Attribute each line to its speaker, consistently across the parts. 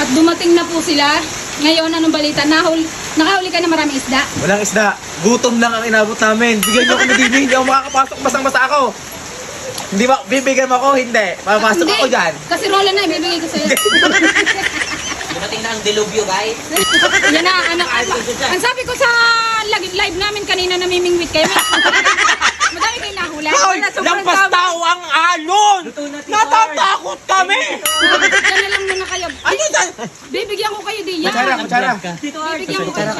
Speaker 1: At dumating na po sila. Ngayon, anong balita? Nakahuli ka na maraming isda?
Speaker 2: Walang isda. Gutom lang ang inabot namin. Bigyan niyo ako ng DB. Hindi ako makakapasok. Basang-basa ako. Hindi ba? Bibigyan mo ako? Hindi. Papasok ako dyan.
Speaker 1: Kasi rola na, ibibigay ko sa'yo.
Speaker 3: Dumating na ang delubyo, guys.
Speaker 1: Yan na, ang sabi ko sa live namin kanina, namimingwit kayo. Madami kayo nahula.
Speaker 2: Hoy! Lampas tao ang alon! Natatakot kami!
Speaker 1: Yan na lang muna kayo.
Speaker 2: Ano dyan?
Speaker 1: Bibigyan ko kayo diyan.
Speaker 2: Kutsara.
Speaker 1: Bibigyan ko kayo.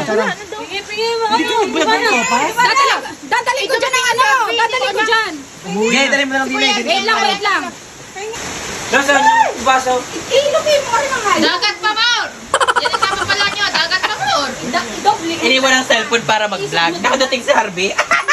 Speaker 2: Kutsara.
Speaker 1: Dadali ko dyan ang ano. Dadali ko dyan.
Speaker 2: Sige, dali mo na lang dili.
Speaker 1: Wait lang.
Speaker 2: Nasaan yung baso?
Speaker 1: Ilugin mo rin ang hayo.
Speaker 4: Dagat pa, Maur! Yan ang tama pala nyo, dagat pa, Maur!
Speaker 1: Doble.
Speaker 3: Iniwan ang cellphone para mag-vlog. Nakadating si Harvey.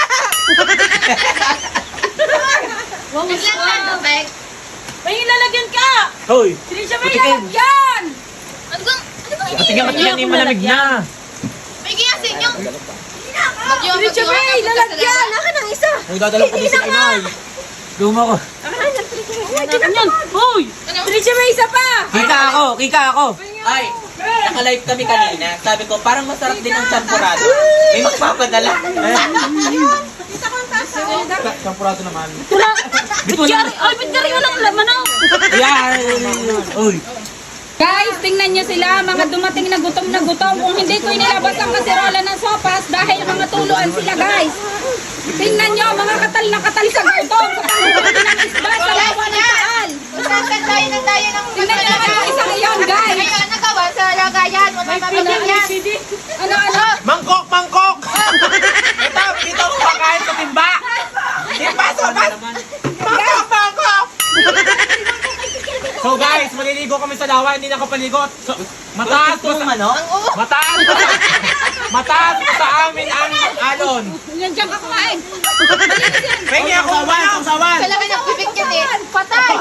Speaker 4: Biglang na, Dopek!
Speaker 1: May lalagyan ka.
Speaker 2: Hoy!
Speaker 1: Hindi siya may
Speaker 2: Putikin.
Speaker 1: lalagyan.
Speaker 4: Ano kang
Speaker 2: Tingnan yung malamig na.
Speaker 4: may giyasin nyo!
Speaker 1: Hindi siya may lalagyan. Naka ng isa.
Speaker 2: May dadala ko din sa inay. Luma ko.
Speaker 1: Yan. Hoy.
Speaker 4: Ano?
Speaker 1: Hindi siya may isa pa.
Speaker 2: Kika ako.
Speaker 3: Ay, naka-live kami kanina. Sabi ko, parang masarap din ang champurado. May magpapadala.
Speaker 2: Sampurado naman.
Speaker 1: Ba't ka rin walang laman oh?
Speaker 2: Yan! Uy!
Speaker 1: Guys, tingnan nyo sila, mga dumating na gutom na gutom. Kung hindi ko inilabas ang kaserola ng sopas dahil mga tuluan sila, guys. Tingnan nyo, mga katal na katal sa gutom. Sa panghuli ng isda, sa lawa ng taal.
Speaker 4: Masasan tayo ng
Speaker 1: Tingnan nyo ang isa ngayon, guys.
Speaker 4: Ngayon, nagawa sa lagayan, mamamabigyan yan!
Speaker 1: Ano?
Speaker 2: Mangkok! Mangkok! Ito ako kakain sa timba! Timba! Sopas! Mangkok! Mangkok! So guys, maliligo kami sa lawa, hindi nakapaligot. So, mataas pa sa ano? Mataas pa sa amin ang alon.
Speaker 1: Yan dyan ka kumain.
Speaker 2: Pengi ako sawan.
Speaker 4: Kailangan ng bibig yan eh! Patay!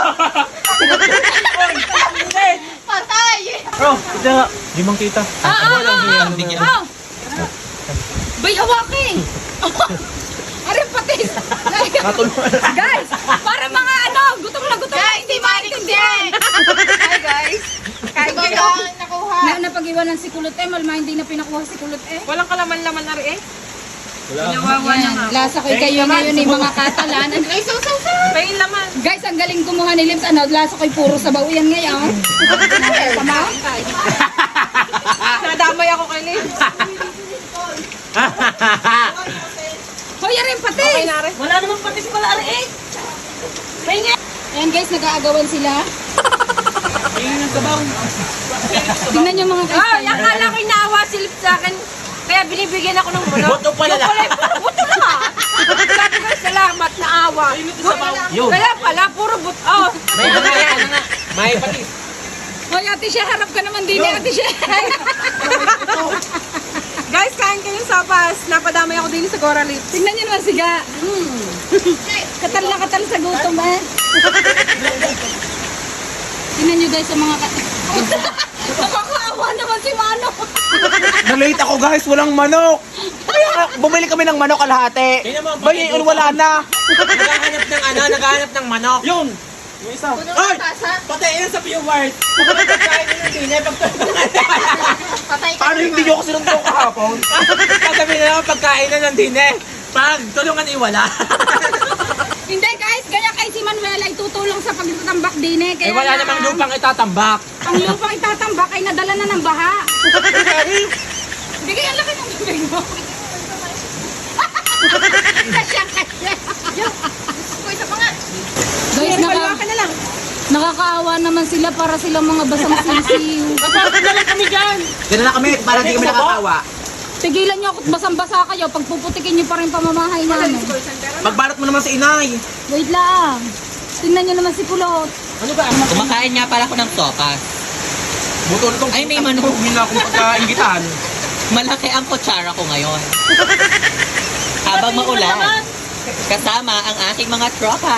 Speaker 4: Patay!
Speaker 2: Bro, ito. Limang kita.
Speaker 1: Oh! Bay, awakin! Aray, patis! Guys, para mga ano, gutom na gutom.
Speaker 4: Guys, si Manix yan! Hi guys! Kain kayo! Nakuha!
Speaker 1: Napag-iwanan si Kulot malma hindi na pinakuha si Kulot
Speaker 5: Walang kalaman-laman na rin eh.
Speaker 1: Nawawa na nga. Lasa ko kayo ngayon ni mga Katalan.
Speaker 4: Ay, so!
Speaker 5: May laman.
Speaker 1: Guys, ang galing kumuha ni Lips. Ano, lasa ko'y puro sabaw yan ngayon. Tama?
Speaker 5: Nadamay ako kay Liz.
Speaker 1: Hoy, aray, patis!
Speaker 5: Okay na rin. Wala namang patis pala rin eh.
Speaker 1: Ayan guys, nag-aagawan sila. Tingnan nyo mga guys.
Speaker 5: Ay, akala ko inaawa si Liz sa akin. Kaya binibigyan ako ng buno.
Speaker 2: Buto pala
Speaker 5: Yung pala, puro buto na. Sabi ko, salamat na awa.
Speaker 2: Yun.
Speaker 5: Kaya pala, puro buto. Oh.
Speaker 2: May patis.
Speaker 1: Hoy, ate siya, harap ka naman din eh, ate siya.
Speaker 5: Guys, kain kayong sapas. Napadamay ako din sa Gora Lips.
Speaker 1: Tingnan nyo naman siga. Katal na katal sa gutom eh. Tingnan nyo guys sa mga nakakaawa naman si Mano.
Speaker 2: Na-late ako guys, walang manok. Kaya bumili kami ng manok kalahati. Bay, wala na.
Speaker 3: Naghahanap ng manok.
Speaker 2: Yun. Yung isa. Ay! Patay yan sa viewers. Pagkakain nyo ng dinay,
Speaker 4: Patay ka
Speaker 2: paano hindi nyo ako sinuntong kahapon? Sasabihin na naman pagkain na ng dinay. Pag tulungan iwala.
Speaker 1: Hindi guys, kaya kay si Manuel ay tutulong sa pagtatambak din eh. Kaya
Speaker 2: wala namang lupang itatambak.
Speaker 1: Ang lupang itatambak ay nadala na ng baha. Hindi kaya laki ng bibig mo. Kasya.
Speaker 4: Isa pa nga!
Speaker 1: Guys,
Speaker 5: Ka na lang.
Speaker 1: nakakaawa naman sila para silang mga basang sisiw.
Speaker 2: Gano'n na kami, para di kami nakakawa.
Speaker 1: Tigilan nyo ako't basang-basa kayo. Pag puputikin nyo pa rin pamamahay namin.
Speaker 2: Magbalot mo naman sa inay.
Speaker 1: Wait lang. Tingnan nyo naman si Kulot.
Speaker 2: Ano ba?
Speaker 3: Kumakain nga pala ako ng sopas.
Speaker 2: Butol itong
Speaker 3: Ay, may manok.
Speaker 2: Hindi na akong pagkaingitan.
Speaker 3: Malaki ang kutsara ko ngayon. Habang maulan. Kasama ang aking mga tropa.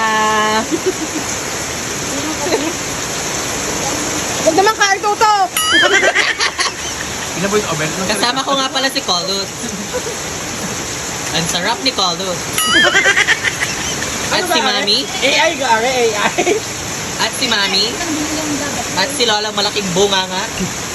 Speaker 5: Huwag naman kain tuto.
Speaker 2: Ina po yung oven.
Speaker 3: Kasama ko nga pala si Coldus. Ang sarap ni Coldus. At si Mami.
Speaker 2: AI gare, AI.
Speaker 3: At si Mami. At si Lolang malaking bunganga.